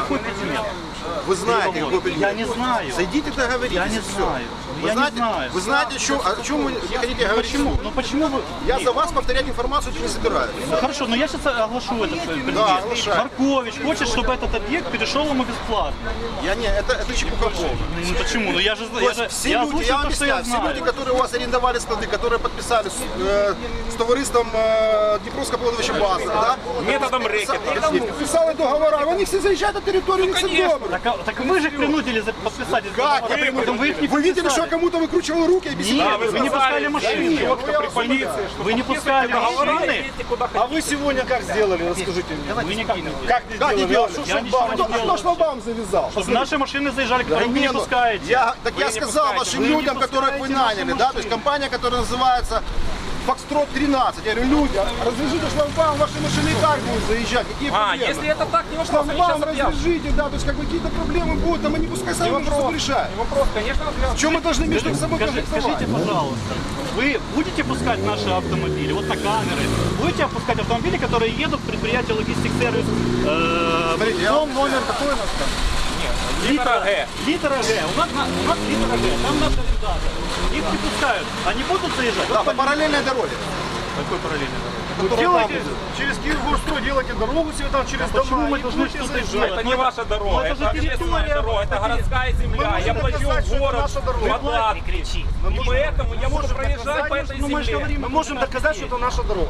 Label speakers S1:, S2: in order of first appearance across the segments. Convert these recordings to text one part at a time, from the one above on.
S1: какой предмет?
S2: Вы знаете, какой предмет?
S1: Я не знаю.
S2: Зайдите, договоритесь.
S1: Я не знаю.
S2: Вы знаете, вы знаете, о чем вы не хотите говорить?
S1: Почему? Ну почему вы...
S2: Я за вас повторять информацию не собираюсь.
S1: Ну, хорошо, но я сейчас оглашу этот предмет.
S2: Да, оглашай.
S1: Маркович хочет, чтобы этот объект перешел ему бесплатно.
S2: Это чепуха полная.
S1: Ну почему? Ну я же
S2: Все люди, я вам объясняю, все люди, которые у вас арендовали склады, которые подписали с товариством Днепровского плодовища базы, да?
S3: Методом рэкета.
S2: Подписали договора, они все заезжают на территорию, не все добрые.
S1: Так вы же их принудили подписать.
S2: Как?
S1: Вы их не
S2: Вы видели, что
S1: подписали.
S2: я кому-то выкручивал руки и объяснял?
S1: Нет, вы не пускали машины. Вы не пускали машины.
S4: А вы сегодня как сделали, расскажите мне?
S1: Вы никак не
S2: Как не делали?
S1: Я ничего не
S2: Кто
S1: делал.
S2: шлагбаум завязал?
S1: Наши машины заезжали, которые вы не пускаете.
S2: Я сказал вашим людям, которых вы наняли, да, то есть компания, которая называется Фокстрот 13. Я говорю, люди, развяжите шлагбаум, ваши машины и так будут заезжать. Какие проблемы?
S3: Если это так, не вопрос, они сейчас
S2: Шлагбаум
S3: объявят.
S2: развяжите, да, то есть как бы какие-то проблемы будут, там они пускай сами между собой решают.
S3: Вопрос, конечно,
S2: В чем мы должны между собой
S1: Скажите,
S2: конфликтовать?
S1: пожалуйста, вы будете пускать наши автомобили, вот на камеры, будете пускать автомобили, которые едут в предприятие Логистик Сервис,
S2: Смотрите, я вам-
S1: номер какой у нас там?
S3: Литра Г.
S1: Литра Г. У нас литра Г, там наши ребята. Их не пускают. Они будут заезжать?
S2: Да, по параллельной дороге.
S1: Какой параллельный дорога?
S4: Делайте через Киев-Горстрой, делайте дорогу себе там через
S1: Почему
S4: дома
S1: мы
S4: и
S1: должны
S4: будете
S1: что-то
S4: заезжать.
S1: делать?
S3: Это не ваша дорога,
S1: это
S3: это
S1: же
S3: общественная
S1: территория,
S3: дорога, это городская земля.
S4: можем
S3: Я плачу
S4: доказать,
S3: в
S4: что это
S3: город
S4: наша дорога.
S3: податки. И поэтому я буду проезжать по этой земле.
S4: Мы можем доказать, что это наша дорога.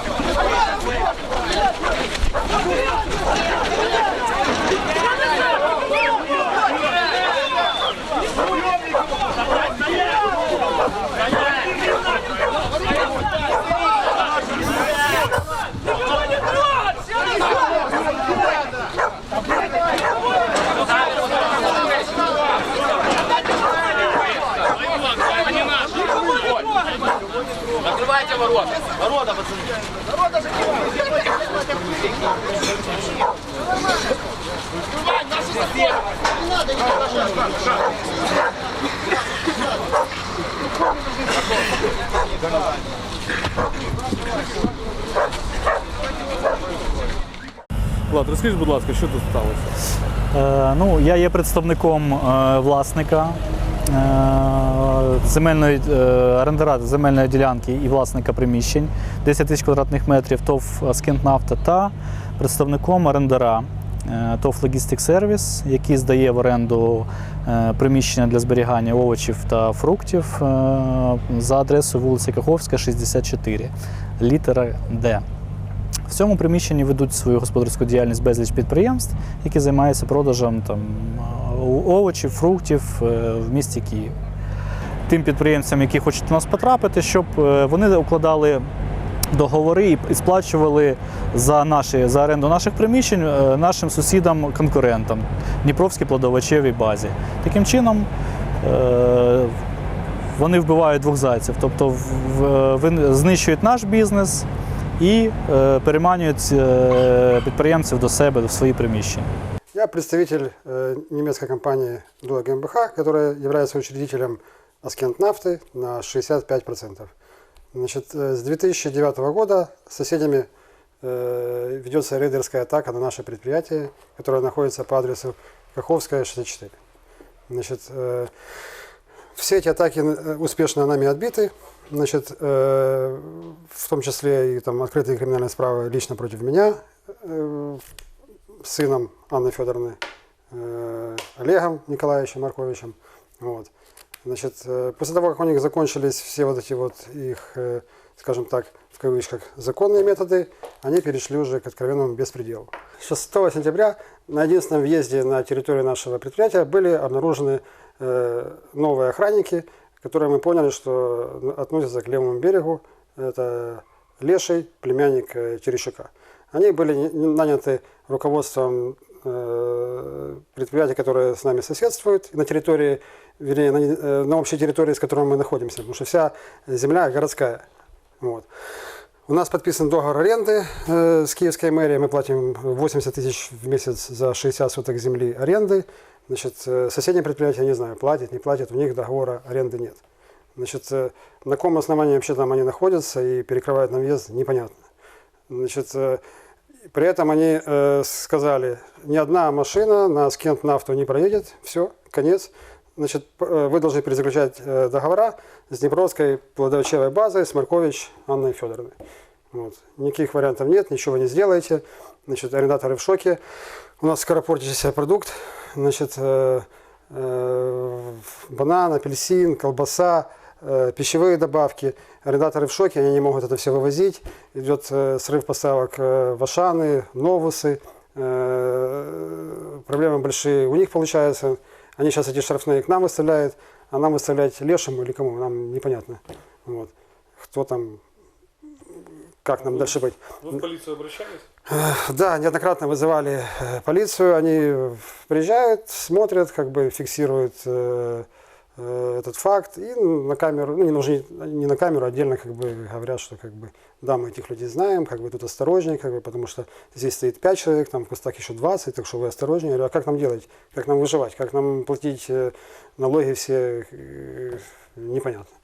S3: Открывайте ворота.
S1: Ворота, пацаны.
S4: Влад, розкажіть, будь ласка, що тут сталося?
S5: Ну, я є представником власника орендара земельної ділянки і власника приміщень 10 тисяч квадратних метрів ТОВ «Скінтнафта» та представником орендара ТОВ «Логістик Сервіс», який здає в оренду приміщення для зберігання овочів та фруктів за адресою вулиця Каховська, 64, літера Д. В цьому приміщенні ведуть свою господарську діяльність безліч підприємств, які займаються продажем овочів, фруктів в місті Київ. Тим підприємцям, які хочуть до нас потрапити, щоб вони укладали договори і сплачували за оренду наших приміщень нашим сусідам-конкурентам Дніпровській плодовочевій базі. Таким чином вони вбивають двох зайців, тобто знищують наш бізнес и переманивают предпринимателей до себя, в свои приміщення.
S6: Я представитель немецкой компании Дуа GmbH, которая является учредителем Скінтнафти на 65%. Значит, с 2009 года с соседями ведется рейдерская атака на наше предприятие, которое находится по адресу Каховская, 64. Значит, все эти атаки успешно нами отбиты. Значит, в том числе и там открытые криминальные справы лично против меня, сыном Анны Федоровны, Олегом Николаевичем Марковичем. Вот. Значит, после того, как у них закончились все вот эти вот их, скажем так, в кавычках, законные методы, они перешли уже к откровенному беспределу. 6 сентября на единственном въезде на территорию нашего предприятия были обнаружены новые охранники, которые мы поняли, что относятся к левому берегу. Это Леший, племянник Терещука. Они были наняты руководством предприятия, которое с нами соседствует, на территории, вернее, на общей территории, с которой мы находимся, потому что вся земля городская. Вот. У нас подписан договор аренды с Киевской мэрией, мы платим 80 тысяч в месяц за 60 соток земли аренды. Значит, соседние предприятия, не знаю, платят, не платят, у них договора аренды нет. Значит, на каком основании вообще там они находятся и перекрывают нам въезд, непонятно. Значит, При этом они сказали, ни одна машина на Скентнафту не проедет, все, конец. Значит, вы должны перезаключать договора с Днепровской плодовочевой базой, с Маркович Анной Федоровной. Вот. Никаких вариантов нет, ничего вы не сделаете. Значит, арендаторы в шоке. У нас скоропортящийся продукт. Значит, банан, апельсин, колбаса, пищевые добавки. Арендаторы в шоке, они не могут это все вывозить. Идет срыв поставок в Ашаны, Новусы. Проблемы большие у них получаются. Они сейчас эти штрафные к нам выставляют, а нам выставлять лешему или кому, нам непонятно. Вот. Кто там, как нам дальше быть.
S4: Вы в полицию обращались?
S6: Да, неоднократно вызывали полицию, они приезжают, смотрят, как бы фиксируют этот факт и на камеру, ну не на камеру, отдельно как бы говорят, что как бы да, мы этих людей знаем, как бы тут осторожнее, как бы, потому что здесь стоит 5 человек, там в кустах еще 20, так что вы осторожнее. Я говорю, а как нам делать, как нам выживать, как нам платить налоги все, непонятно.